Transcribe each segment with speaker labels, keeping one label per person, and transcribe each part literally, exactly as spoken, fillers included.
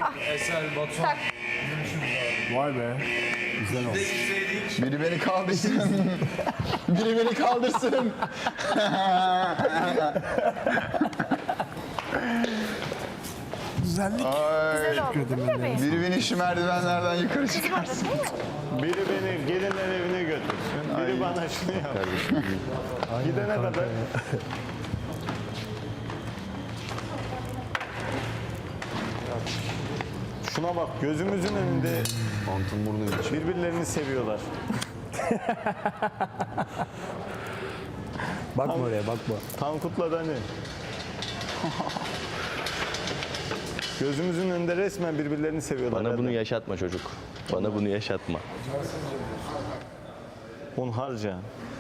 Speaker 1: Eser, Batuhan.
Speaker 2: Vay be. Güzel oldu.
Speaker 3: Biri beni kaldırsın. Biri beni kaldırsın.
Speaker 2: Güzellik.
Speaker 3: Ay.
Speaker 4: Bebeğim.
Speaker 3: Biri beni şu merdivenlerden yukarı çıkarsın.
Speaker 5: Biri beni gelinler evine götürsün. Biri
Speaker 3: Ay.
Speaker 5: bana şunu yap. Gidene kadar. Şuna bak, gözümüzün önünde
Speaker 3: Antın burnu için.
Speaker 5: birbirlerini seviyorlar.
Speaker 2: Bakma oraya bakma.
Speaker 5: Tankut'la Dani. Gözümüzün önünde resmen birbirlerini seviyorlar.
Speaker 6: Bana bunu
Speaker 5: Erdem.
Speaker 6: yaşatma çocuk. Bana bunu yaşatma.
Speaker 5: Hunharca.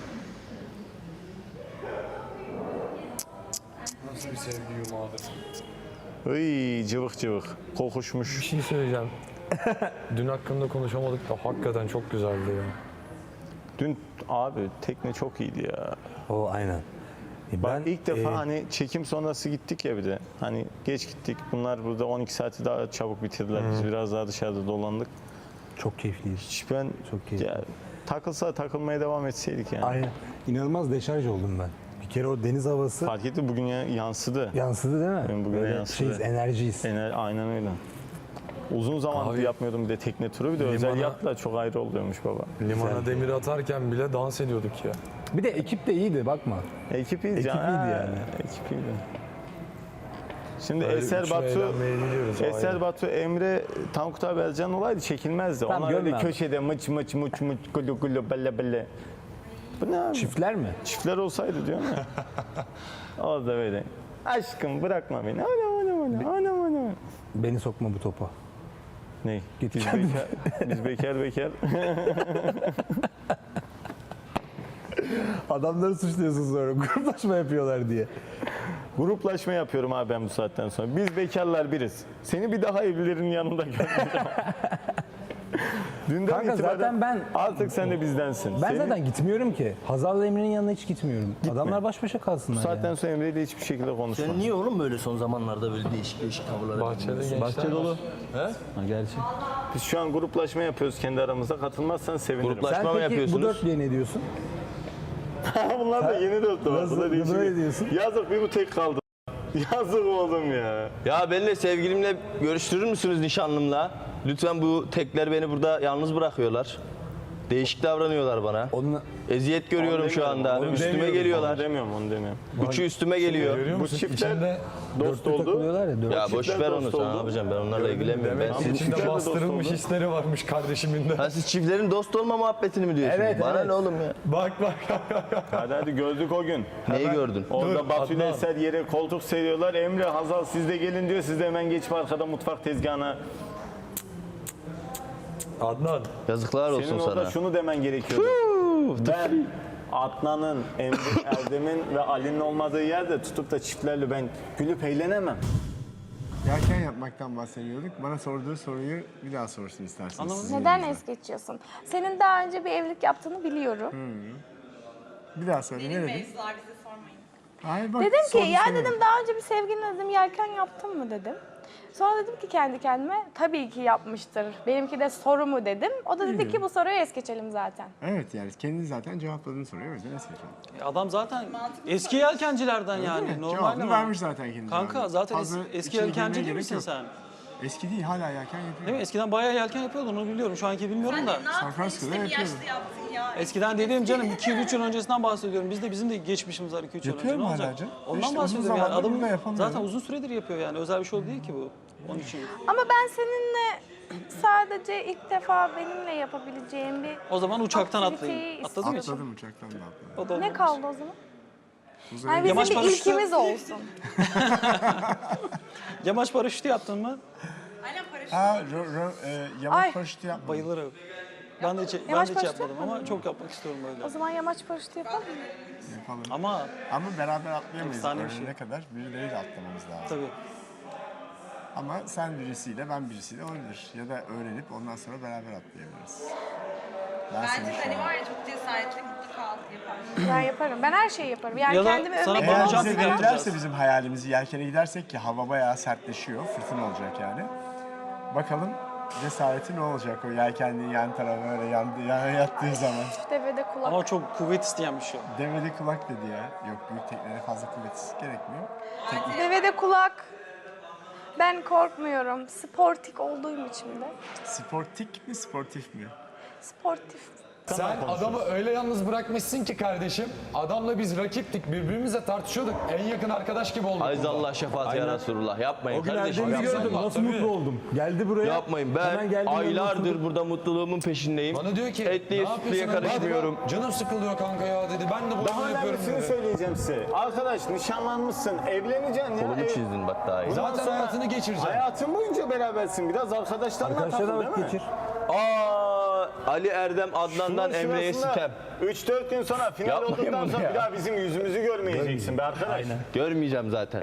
Speaker 1: Nasıl bir sevgi yumağıdır.
Speaker 5: Iy, cıvık cıvık. Kokuşmuş.
Speaker 1: Bir şey söyleyeceğim. Dün hakkında konuşamadık da hakikaten çok güzeldi ya.
Speaker 5: Dün abi tekne çok iyiydi ya.
Speaker 2: O aynen. E,
Speaker 5: Bak ilk defa
Speaker 2: e,
Speaker 5: hani çekim sonrası gittik ya bir de. Hani geç gittik. Bunlar burada on iki saati daha çabuk bitirdiler. Biz biraz daha dışarıda dolandık.
Speaker 2: çok keyifliyiz.
Speaker 5: Hiç ben
Speaker 2: Çok keyifli.
Speaker 5: ya, takılsa takılmaya devam etseydik yani.
Speaker 2: Aynen. İnanılmaz deşarj oldum ben. Bir kere o deniz havası
Speaker 5: Fark etti bugün ya, yansıdı.
Speaker 2: yansıdı değil mi?
Speaker 5: Benim bugüne
Speaker 2: Böyle
Speaker 5: yansıdı.
Speaker 2: şeyiz, enerjiyiz.
Speaker 5: Ener, aynen öyle. Uzun zamandır
Speaker 1: Abi,
Speaker 5: yapmıyordum bir de tekne turu. Bir de özel
Speaker 1: limana-
Speaker 5: yatla çok ayrı oluyormuş baba.
Speaker 1: Limana demir atarken bile dans ediyorduk ya.
Speaker 2: Bir de ekip de iyiydi bakma.
Speaker 5: Ekip iyiydi.
Speaker 2: Ekip
Speaker 5: ya.
Speaker 2: iyiydi
Speaker 5: Ha,
Speaker 2: yani.
Speaker 5: Ekip iyiydi. Şimdi
Speaker 1: Böyle
Speaker 5: Eser
Speaker 1: üçlü
Speaker 5: Batu,
Speaker 1: eğlenmeye gidiyoruz,
Speaker 5: Eser
Speaker 1: ayrı.
Speaker 5: Batu, Emre, Tankut abi Ercan olaydı çekilmezdi.
Speaker 2: Tamam,
Speaker 5: Onlar öyle
Speaker 2: görme abi.
Speaker 5: köşede mıç mıç mıç mıç gulu gulu belle belle. Bu ne abi?
Speaker 2: Çiftler mi?
Speaker 5: Çiftler olsaydı diyorum ya. O da böyle. Aşkım bırakma beni. Anam anam anam anam anam.
Speaker 2: Beni sokma bu topa.
Speaker 5: Ne?
Speaker 2: Git
Speaker 5: Biz
Speaker 2: kendin.
Speaker 5: bekar, biz bekar bekar.
Speaker 2: Adamları suçluyorsun sonra gruplaşma yapıyorlar diye.
Speaker 5: Gruplaşma yapıyorum abi ben bu saatten sonra. Biz bekarlar biriz. Seni bir daha evlilerin yanında görmeyeceğim. Dünden
Speaker 2: Kanka
Speaker 5: itibaren
Speaker 2: zaten ben-
Speaker 5: artık sen de bizdensin.
Speaker 2: Ben
Speaker 5: Seni
Speaker 2: zaten gitmiyorum ki. Hazal'la Emre'nin yanına hiç gitmiyorum. Adamlar baş başa kalsınlar
Speaker 5: bu saatten
Speaker 2: ya.
Speaker 5: sonra Emre'yle hiçbir şekilde konuşma.
Speaker 7: Sen niye oğlum böyle son zamanlarda böyle değişik değişik tavırlara
Speaker 1: Bahçede gençler
Speaker 2: Bahçe dolu.
Speaker 1: var.
Speaker 2: Ha, gerçi.
Speaker 5: Biz şu an gruplaşma yapıyoruz kendi aramızda. Katılmazsan sevinirim.
Speaker 6: Gruplaşma-
Speaker 2: Sen
Speaker 6: mı
Speaker 2: peki bu
Speaker 6: yapıyorsunuz?
Speaker 2: dörtlüye ne diyorsun?
Speaker 5: Bunlar da yeni dostum.
Speaker 2: Nasıl-
Speaker 5: Bu da değişik.
Speaker 2: böyle diyorsun?
Speaker 5: Yazık bir bu tek kaldı. Yazık oldum ya.
Speaker 6: Ya benimle sevgilimle görüştürür müsünüz nişanlımla? Lütfen bu tekler beni burada yalnız bırakıyorlar. Değişik davranıyorlar bana.
Speaker 2: Onunla...
Speaker 6: Eziyet görüyorum şu anda.
Speaker 5: Onu
Speaker 6: Üstüme
Speaker 5: demiyorum,
Speaker 6: geliyorlar.
Speaker 5: Onu demiyorum, onu demiyorum.
Speaker 6: Üçü üstüme geliyor.
Speaker 1: Görüyor
Speaker 5: Bu
Speaker 1: musun?
Speaker 5: çiftler
Speaker 1: İçinde,
Speaker 5: dost
Speaker 2: Dörtlü
Speaker 5: oldu.
Speaker 2: takılıyorlar ya. Dört.
Speaker 6: Ya boş
Speaker 5: çiftler
Speaker 6: ver onu,
Speaker 5: dost
Speaker 6: sen ne
Speaker 5: oldu.
Speaker 6: yapacaksın? Ben onlarla ilgilenmiyorum. Ben
Speaker 1: demek ki
Speaker 6: siz,
Speaker 5: çiftler de
Speaker 1: içinde
Speaker 5: dost
Speaker 1: bastırılmış
Speaker 5: oldu.
Speaker 1: hisleri varmış kardeşimin de.
Speaker 6: ha, siz çiftlerin dost olma muhabbetini mi diyorsunuz?
Speaker 2: Evet,
Speaker 6: Bana
Speaker 2: evet.
Speaker 6: ne oğlum ya?
Speaker 1: Bak bak.
Speaker 5: Hadi hadi gördük o gün.
Speaker 6: Neyi gördün?
Speaker 5: Orada
Speaker 1: Dur,
Speaker 5: Batu ile
Speaker 1: Adnan.
Speaker 5: Eser yere koltuk seriyorlar. Emre, Hazal siz de gelin diyor. Siz de hemen geçip arkada mutfak tezgahına.
Speaker 1: Adnan.
Speaker 6: Yazıklar olsun
Speaker 5: Senin orada
Speaker 6: sana.
Speaker 5: şunu demen gerekiyordu. Ben Adnan'ın, Emre, Erdem'in ve Ali'nin olmadığı yerde tutup da çiftlerle ben gülüp eğlenemem.
Speaker 8: Yelken yapmaktan bahsediyorduk. Bana sorduğu soruyu bir daha sorsun isterseniz. sizin
Speaker 4: Neden
Speaker 8: yerinizde.
Speaker 4: es geçiyorsun? Senin daha önce bir evlilik yaptığını biliyorum.
Speaker 8: Bir daha söyle. Ne dedin?
Speaker 9: Mevzular bize sormayın.
Speaker 8: Hayır, bak,
Speaker 4: Dedim ki
Speaker 8: sordu
Speaker 4: ya
Speaker 8: sana.
Speaker 4: dedim daha önce bir sevgiline dedim yelken yaptın mı dedim. Sonra dedim ki kendi kendime tabii ki yapmıştır. Benimki de soru mu dedim. O da dedi ki bu soruyu es geçelim zaten.
Speaker 8: Evet, yani kendi zaten cevapladığını soruyor. O yüzden es geçelim.
Speaker 10: Adam zaten eski yelkencilerden yani.
Speaker 8: Değil mi?
Speaker 10: Normal
Speaker 8: Cevabını
Speaker 10: ama.
Speaker 8: vermiş zaten kendi.
Speaker 10: Kanka
Speaker 8: cevabını.
Speaker 10: zaten es-
Speaker 8: Fazla
Speaker 10: eski
Speaker 8: içine
Speaker 10: yelkenci
Speaker 8: girmeye
Speaker 10: değil
Speaker 8: gerek
Speaker 10: misin
Speaker 8: yok.
Speaker 10: sen?
Speaker 8: Eski değil, hala yelken yapıyor.
Speaker 10: Değil mi? Eskiden bayağı yelken yapıyordun onu biliyorum. Şu anki bilmiyorum
Speaker 9: Sen
Speaker 10: da.
Speaker 9: de ne yaptın
Speaker 8: Francisco'da
Speaker 9: işte bir
Speaker 8: yapıyordum.
Speaker 9: yaşta yaptın ya.
Speaker 10: Eskiden dediğim canım iki üç yıl öncesinden bahsediyorum. Biz de bizim de geçmişimiz var iki üç yıl önce.
Speaker 8: Yapıyorum
Speaker 10: Ne
Speaker 8: hala
Speaker 10: olacak?
Speaker 8: canım.
Speaker 10: Ondan
Speaker 8: İşte uzun
Speaker 10: bahsediyorum yani.
Speaker 8: zamandır
Speaker 10: Adam
Speaker 8: burada yapamıyorum.
Speaker 10: zaten uzun süredir yapıyor yani. Özel bir şey değil ki bu. Onun için.
Speaker 4: Ama ben seninle sadece ilk defa benimle yapabileceğim bir
Speaker 10: O zaman uçaktan
Speaker 4: aktiviteyi
Speaker 10: atlayın. Atladın mı hiç?
Speaker 8: Atladım uçaktan da atladım.
Speaker 10: O da
Speaker 4: Ne
Speaker 10: olmamış.
Speaker 4: kaldı o zaman?
Speaker 8: Uzaya
Speaker 4: Yani bizim
Speaker 10: Yamaç
Speaker 4: bir
Speaker 10: paraşütü-
Speaker 4: ilkimiz olsun.
Speaker 10: Yamaç paraşütü yaptın mı?
Speaker 9: Aynen paraşüt.
Speaker 8: Ha, ro, ro, e, yamaç
Speaker 4: Ay.
Speaker 8: paraşütü yapmadım.
Speaker 10: Bayılırım. Ben de hiç, ben
Speaker 4: Yamaç
Speaker 10: de hiç
Speaker 4: paraşütü
Speaker 10: yapmadım ama
Speaker 4: yapmadın
Speaker 10: çok yapmak istiyorum
Speaker 4: O
Speaker 10: böyle.
Speaker 4: zaman yamaç paraşütü yapalım mı?
Speaker 8: Yapalım.
Speaker 10: Ama
Speaker 8: Ama beraber atlayamayız.
Speaker 10: Efsane bir
Speaker 8: Öğrenene
Speaker 10: şey.
Speaker 8: kadar birileriyle atlamamız lazım.
Speaker 10: tabii.
Speaker 8: Ama sen birisiyle, ben birisiyle olabilir. Ya da öğrenip ondan sonra beraber atlayabiliriz. Ben
Speaker 9: Bence
Speaker 8: seni şu
Speaker 9: hani
Speaker 8: an-
Speaker 9: var ya çok cesaretli mutlaka yapar.
Speaker 4: Ben yaparım. Ben her şeyi yaparım. Yani
Speaker 10: Ya da
Speaker 4: kendimi
Speaker 10: sana
Speaker 4: övmek
Speaker 8: Eğer
Speaker 10: Bana
Speaker 4: olmasa
Speaker 10: jump
Speaker 8: bize
Speaker 10: yapacağız.
Speaker 8: giderse bizim hayalimizi yelkene gidersek ki hava bayağı sertleşiyor, fırtına olacak yani. Bakalım cesareti ne olacak o yelkenliğin yan tarafı öyle yandı, yana yattığı zaman.
Speaker 4: Devede kulak.
Speaker 10: Ama çok kuvvet isteyen bir şey.
Speaker 8: Devede kulak dedi ya. Yok, büyük teknelere fazla kuvvet gerekmiyor. Teknik.
Speaker 4: Devede kulak. Ben korkmuyorum. Sportik olduğum için de.
Speaker 8: Sportik mi, sportif mi?
Speaker 4: Sportif.
Speaker 1: Sen adamı öyle yalnız bırakmışsın ki kardeşim. Adamla biz rakiptik, birbirimizle tartışıyorduk. En yakın arkadaş gibi olduk.
Speaker 6: Ayzallah şefaat ya Resulullah. Yapmayın
Speaker 2: O gün
Speaker 6: kardeşim.
Speaker 2: Erdem'i
Speaker 6: Yapmayın.
Speaker 2: gördüm. Nasıl
Speaker 1: Tabii.
Speaker 2: mutlu oldum. Geldi buraya.
Speaker 6: Yapmayın.
Speaker 2: Hemen
Speaker 6: Ben
Speaker 2: geldi, yanına
Speaker 6: aylardır
Speaker 2: oturduk.
Speaker 6: burada mutluluğumun peşindeyim.
Speaker 1: Bana diyor ki,
Speaker 6: Etliye
Speaker 1: ne
Speaker 6: sütlüye
Speaker 1: yapıyorsun?
Speaker 6: karışmıyorum.
Speaker 1: Hadi Canım sıkılıyor kanka ya dedi. Ben de
Speaker 5: Daha
Speaker 1: bunu yapıyorum
Speaker 5: önemlisini
Speaker 1: dedi.
Speaker 5: söyleyeceğim size. Arkadaş nişanlanmışsın, evleneceksin ya.
Speaker 6: Kolumu
Speaker 5: Ev-
Speaker 6: çizdin bak daha iyi.
Speaker 5: Bundan
Speaker 1: Zaten
Speaker 5: sonra
Speaker 1: hayatını geçireceksin.
Speaker 5: Hayatın boyunca berabersin. Biraz arkadaşlarla
Speaker 2: Arkadaşlarla
Speaker 5: takıl değil
Speaker 2: vakit
Speaker 5: mi?
Speaker 2: geçir.
Speaker 6: Aa, Ali Erdem Adnan'dan
Speaker 5: Şunun
Speaker 6: Emre'ye
Speaker 5: sırasında
Speaker 6: sitem.
Speaker 5: üç dört gün sonra final
Speaker 6: Yapmayın
Speaker 5: olduktan
Speaker 6: bunu
Speaker 5: sonra
Speaker 6: ya.
Speaker 5: bir daha bizim yüzümüzü görmeyeceksin be arkadaş.
Speaker 6: Görmeyeceğim zaten.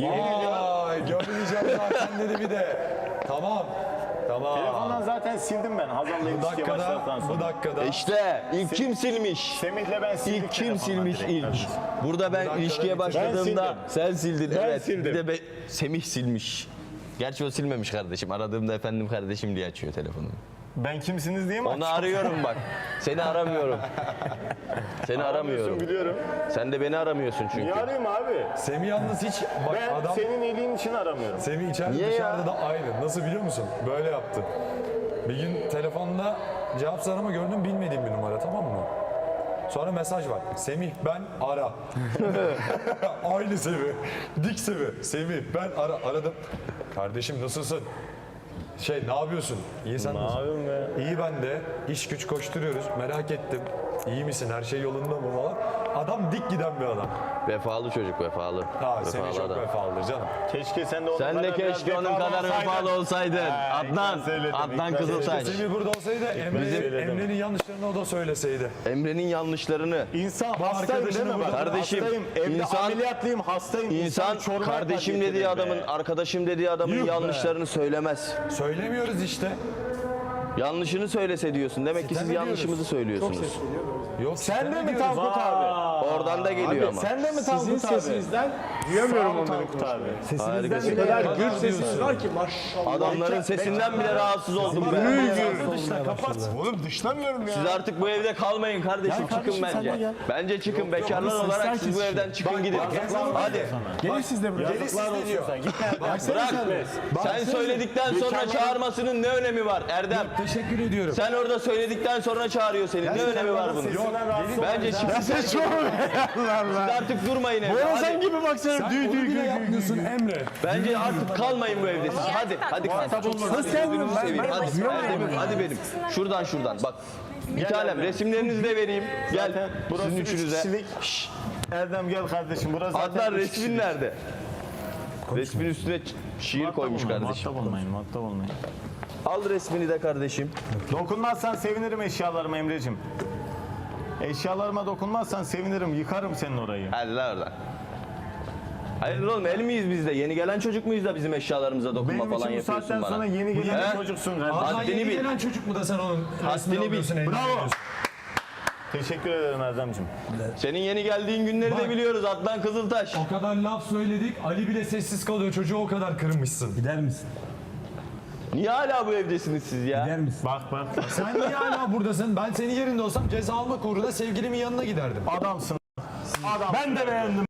Speaker 1: Ay görmeyeceğim zaten dedi bir de. Tamam. Tamam.
Speaker 5: Telefondan zaten sildim ben Hazal'la
Speaker 1: Bu
Speaker 5: ilişkiye
Speaker 1: dakikada,
Speaker 5: başladıktan sonra.
Speaker 1: bu dakikada.
Speaker 6: İşte ilk kim silmiş?
Speaker 5: Semih'le ben sildik.
Speaker 6: İlk kim
Speaker 5: telefondan
Speaker 6: silmiş
Speaker 5: direkt
Speaker 6: ilk?
Speaker 5: kardeşim.
Speaker 6: Burada ben
Speaker 1: dakikada
Speaker 6: ilişkiye
Speaker 1: bitirdim.
Speaker 6: başladığımda
Speaker 5: Ben
Speaker 6: sen sildin.
Speaker 5: Ben
Speaker 6: evet.
Speaker 5: sildim.
Speaker 6: Bir de be, Semih silmiş. Gerçi o silmemiş kardeşim. Aradığımda efendim kardeşim diye açıyor telefonumu.
Speaker 5: Ben kimsiniz diye mi
Speaker 6: Onu
Speaker 5: açtın?
Speaker 6: arıyorum bak. Seni aramıyorum. Seni aramıyorum.
Speaker 5: Biliyorum.
Speaker 6: Sen de beni aramıyorsun çünkü.
Speaker 5: Niye arayayım abi?
Speaker 1: Semih yalnız hiç bak
Speaker 5: Ben
Speaker 1: adam
Speaker 5: senin iyiliğin için aramıyorum.
Speaker 1: Semih içeride
Speaker 6: Niye
Speaker 1: dışarıda
Speaker 6: ya?
Speaker 1: da aynı. Nasıl biliyor musun? Böyle yaptı. Bir gün telefonda cevap arama gördüm, bilmediğim bir numara, tamam mı? Sonra mesaj var. Semih ben ara. Aynı Semih. Dik Semih. Semih ben ara. Aradım. Kardeşim nasılsın? Şey ne yapıyorsun? İyi sen
Speaker 5: Ne
Speaker 1: nasılsın?
Speaker 5: yapayım be?
Speaker 1: İyi ben de. İş güç koşturuyoruz. Merak ettim. İyi misin? Her şey yolunda mı falan. Adam dik giden bir adam.
Speaker 6: Vefalı çocuk vefalı.
Speaker 1: Ha Semih
Speaker 6: Vefalı
Speaker 1: çok
Speaker 6: adam.
Speaker 1: vefalıdır canım.
Speaker 5: Keşke sen de onun
Speaker 6: Sen de
Speaker 5: kadar biraz
Speaker 6: keşke onun kadar vefalı olsaydın.
Speaker 5: Ha,
Speaker 6: Adnan,
Speaker 5: ilk ben söyledim, ilk
Speaker 6: Adnan
Speaker 5: ben
Speaker 6: Kızıltaş.
Speaker 1: Semih burada olsaydı Emre,
Speaker 5: söyledim.
Speaker 1: Emre'nin yanlışlarını o da söyleseydi.
Speaker 6: Emre'nin yanlışlarını.
Speaker 5: İnsan
Speaker 1: Bu
Speaker 5: hastayım değil
Speaker 1: arkadaşını
Speaker 5: mi? Bak,
Speaker 1: burada-
Speaker 6: Kardeşim,
Speaker 5: hastayım. Evde
Speaker 6: insan-
Speaker 5: ameliyatlıyım, hastayım.
Speaker 6: İnsan
Speaker 5: Çorum'a
Speaker 6: kardeşim
Speaker 5: kadar
Speaker 6: dediği
Speaker 5: getirir
Speaker 6: adamın,
Speaker 5: be.
Speaker 6: arkadaşım dediği adamın
Speaker 1: Yuh be.
Speaker 6: yanlışlarını söylemez.
Speaker 1: Söylemiyoruz işte.
Speaker 6: Yanlışını söylese diyorsun. Demek ki
Speaker 1: Sitem
Speaker 6: siz
Speaker 1: ediyoruz.
Speaker 6: yanlışımızı söylüyorsunuz.
Speaker 1: Yok
Speaker 5: Sen de mi
Speaker 1: diyoruz.
Speaker 5: Tankut abi?
Speaker 6: Oradan da geliyor ama.
Speaker 5: Sen de mi Tankut abi?
Speaker 8: sesinizden
Speaker 5: Duyamıyorum onları Tankut abi.
Speaker 6: Harikasın.
Speaker 1: Gür sesiniz var ki.
Speaker 6: Adamların sesinden bile rahatsız oldum ben.
Speaker 8: Oğlum dışlamıyorum ya.
Speaker 6: Siz artık bu evde kalmayın kardeşim. Çıkın bence. Bence çıkın. Bekarlar olarak siz bu evden çıkın gidin. Hadi.
Speaker 8: Gelin siz de buraya.
Speaker 5: Yazıklar olsun sen. Git
Speaker 6: Bırak. Sen söyledikten sonra çağırmasının ne önemi var Erdem?
Speaker 1: Teşekkür ediyorum.
Speaker 6: Sen orada söyledikten sonra çağırıyor seni. Ne önemi var bunun? Bence çıkın. Siz artık durmayın evde.
Speaker 8: Sen
Speaker 6: Hadi.
Speaker 8: gibi baksana.
Speaker 1: Sen
Speaker 8: Düğ
Speaker 1: onu
Speaker 8: düğ
Speaker 1: bile
Speaker 8: düğ düğ.
Speaker 1: yapmıyorsun Emre.
Speaker 6: Bence artık kalmayın bu evde siz. Hadi, hadi kalk. Hadi gözünüzü seveyim. Hadi, hadi, hadi benim. Şuradan şuradan. Bak. Bir tanem resimlerinizi de vereyim. Gel.
Speaker 5: Burası
Speaker 6: Sizin
Speaker 5: üç
Speaker 6: üçünüze.
Speaker 5: kişilik. Erdem gel kardeşim. Burası zaten
Speaker 6: Adnan
Speaker 5: üç
Speaker 6: resmin
Speaker 5: kişilik.
Speaker 6: nerede? Resmin üstüne ç- şiir koymuş kardeşim.
Speaker 5: Muhatap olmayın, muhatap olmayın.
Speaker 6: Al resmini de kardeşim.
Speaker 5: Dokunmazsan sevinirim eşyalarıma Emre'cim. Eşyalarıma dokunmazsan sevinirim, yıkarım senin orayı.
Speaker 6: Hadi la oradan. Hayır oğlum el miyiz biz de? Yeni gelen çocuk muyuz da bizim eşyalarımıza dokunma
Speaker 5: Benim
Speaker 6: falan
Speaker 5: için bu
Speaker 6: yapıyorsun
Speaker 5: saatten
Speaker 6: bana?
Speaker 5: sonra yeni gelen
Speaker 6: He?
Speaker 5: bir çocuksun
Speaker 1: Adnan
Speaker 5: kardeşim.
Speaker 6: Haddini
Speaker 1: yeni
Speaker 6: bil.
Speaker 1: gelen çocuk mu da sen onun
Speaker 6: Haddini
Speaker 1: resmini
Speaker 6: bil.
Speaker 1: alıyorsun,
Speaker 5: Bravo.
Speaker 1: eğleniyorsun?
Speaker 5: Teşekkür ederim Erdem'cim.
Speaker 6: Senin yeni geldiğin günleri de
Speaker 1: Bak.
Speaker 6: biliyoruz Adnan Kızıltaş.
Speaker 1: O kadar laf söyledik, Ali bile sessiz kalıyor. Çocuğu o kadar kırmışsın.
Speaker 2: Gider misin?
Speaker 6: Niye hala bu evdesiniz siz ya?
Speaker 2: Gider misin?
Speaker 5: Bak bak.
Speaker 1: Sen niye hala buradasın? Ben senin yerinde olsam ceza almak uğruna sevgilimin yanına giderdim.
Speaker 5: Adamsın. Adam. Ben de beğendim.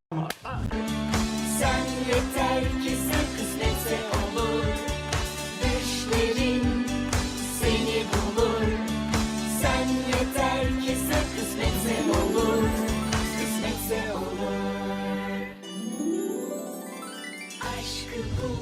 Speaker 11: Sen yeter ki sen kısmetse olur. Düşlerin seni bulur. Sen yeter ki sen kısmetse olur. Kısmetse olur. Aşkı bul.